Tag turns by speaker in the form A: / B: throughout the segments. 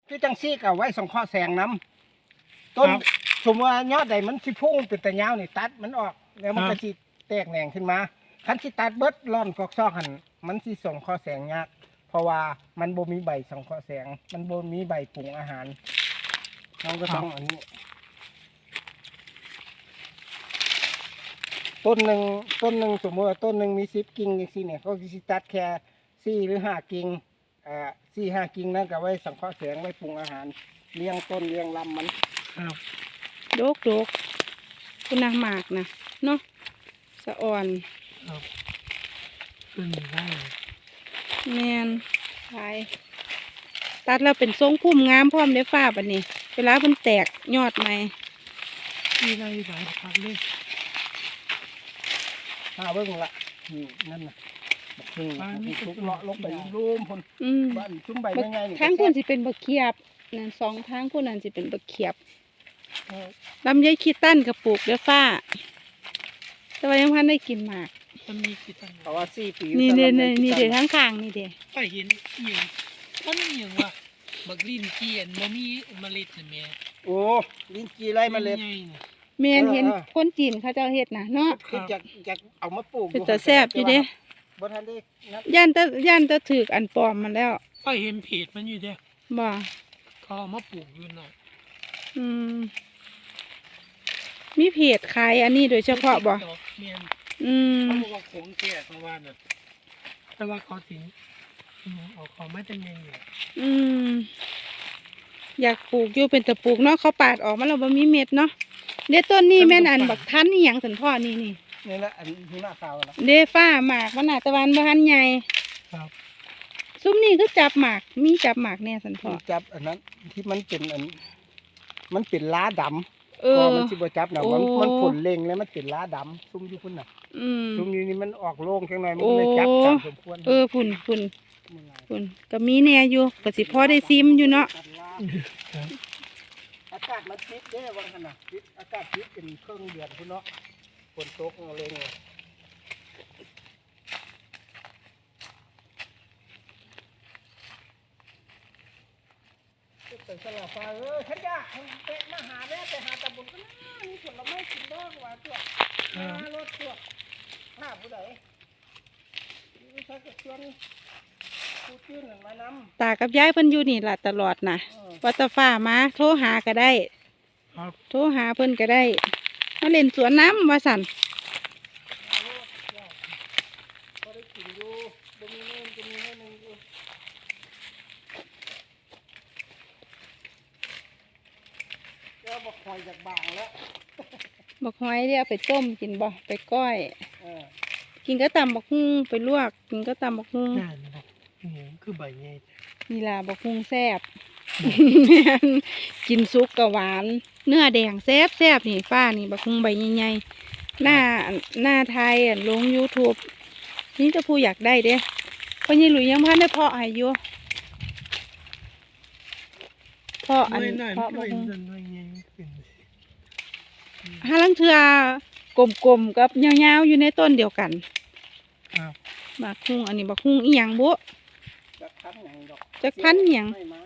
A: คือจังซี่ก็ไว้สังเคราะห์แสงน้ำต้นสมมติว่ายอดใดมันสิพุ่งเป็นตะยาวนี่ตัดมันออกแล้วมันก็สิแตกแหน่งขึ้นมาคันสิตัดเบิดร่อนกอกซอกหันมันสิส่งข้อแสงยากเพราะว่ามันบ่มีใบสังเคราะห์แสงมันบ่มีใบปรุงอาหารเราก็ต้องอันนี้ต้นหนึ่งสมมติว่าต้นหนึ่งมี10 กิ่งอย่างนี้เนี่ยเขาสิตัดแค่4 หรือ 5 กิ่ง4-5 กิ่งนั่นก็ไว้สังเคราะห์แสงไว้ปรุงอาหารเลี้ยงต้นเลี้ยงลำมัน
B: โดกคุณนางหมากนะเนาะสะอ่อน
C: ขึ้นได้
B: แมนขายตัดแล้วเป็นทรงพุ่มงามพร้อมได้ฟ้าบัดนี้เวลามันแตกยอดใหม่
C: ที่ไรหลายพักเลย
A: เบิ่งละนั่นน่ะทุกเลาะลงไปรูมพุ่นบ้านชุ่มใบยังไงนี่
B: ทางพุ่นสิเป็นบักเขียบนั่น2 ทางพุ่นนั่นสิเป็นบักเขียบลำไยขี้ตั้นกระปุกเด้อฟ้าแต่ว่ายังพันได้กินหมาก
C: มันมีกี่ตัน
A: เพราะว่า4 ปี
B: นี่เด้ทั้งข้างนี่เด้
C: ก็เห็นอย่างต้นอย่างว่าบักลิ้นจีนบ่มีเมล็ดน่ะแม่
A: โอ้ลิ้นจีไร่เมล็ด
B: แม่นเห็นคนจีนเขาเจ้าเฮ็ดน่ะเนาะ
A: คืออยากเอามาปลูก
B: เป็นตาแซ่บอยู่เด้
A: บ่ทันได้
B: ย่านตะถึกอันปลอมมันแล้ว
C: ก็เห็นเพจมันอยู่เด้
B: บ่
C: เขาเอามาปลูกอยู่น่ะ
B: มีเพจขายอันนี้โดยเฉพาะบ่
C: เขาบอกว่าของแก่ประมาณน่ะแต่ว่าเขาสิเอาของไม่เป็นยังอยู่
B: อยากปลูกอยู่เป็นตะปลูกเนาะเขาปาดออกมาแล้วบ่มีเม็ดเนาะเด้ต้นนี้แม่นอันบักทันอีหยังสันพ่อนี่
A: แหละอันหิมะขาวล่ะ
B: เด้ฟ้าหมากมันน่ะตะวันบ่ทันใหญ่
C: ครับ
B: ซุ้มนี่คือจับหมากมีจับหมากแน่สันพ่อ
A: จับอันนั้นที่มันเป็นล้าดำก็มันสิบ่จับน่ะมันฝนเล็งแล้วมันเป็นล้าดำซุ่มอยู่พุ่นน่ะซุ่มอยู่นี่มันออกโล่งจังหน่อยมันเลยจับตามสมควร
B: พุ่นก็มีแน่อยู่ก็สิพอได้ซิมอยู่เนาะ
A: อากาศมันปิดเด้ว่าซั่นน่ะปิดอากาศปิดเป็นครึ่งเดือนพุ่นเนาะฝนตกเอาเลยเป็นสลับฟ้าฉันอยากเตะมาหาแม่ไปหาตะบุญก็น่ามีผลไม้กินบ้างว่าตัวรถตัวหน้าผู้ใดใช้กระชวนผู้ชื่นมานำ
B: ตากับยายเพิ่นอยู่นี่ล่ะตลอดนะวัตฟ้ามาโทรหาก็ได้โทรหาเพิ่นก็ได้มาเล่นสวนน้ำว่าสั่น
A: บักหอยจากบางแล้ว
B: บักหอยเดี๋ยวไปต้มกินบ่ไปก้อยกินก็ตำบักฮุ่งไปลวกกินก็ตำบักฮุ่ง
C: คือใบใหญ่
B: นี่ล่ะบักฮุ่งแซ่บกินซุปกับหวานเนื้อแดงแซ่บนี่ป้านี่บักฮุ่งใบใหญ่ๆหน้าไทยลง YouTube นี่จะผู้อยากได้เด้เพราะยี่หลุยยังพันได้เพาะให้อยู่เพาะบักฮุ่งห้าลังเทือกลมๆกับยาวๆอยู่ในต้นเดียวกันบักฮุ่งอันนี้บักฮุ่งอีหยังบุจักพันหยัง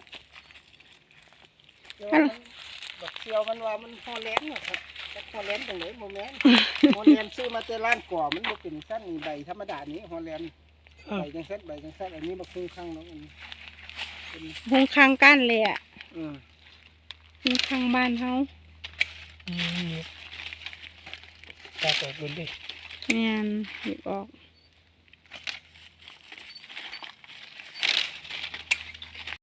A: บักเชียวมันว่ามันฮอลแลนด์ครับฮอลแลนด์ตรงไหนโมเมนต์ฮอลแลนด์ซื้อมาแต่ร้านก่อมันบ่เป็นสั้นใบธรรมดานี้ฮอลแลนด์ใบจังสั้นอันนี้บักฮุ่งข้างเนาะ
B: ฮุ่งข้างก้านเลยอ่ะฮุ่งข้างบ้านเขา
C: ตัดออกบนดิ
B: แม่นหยิบออก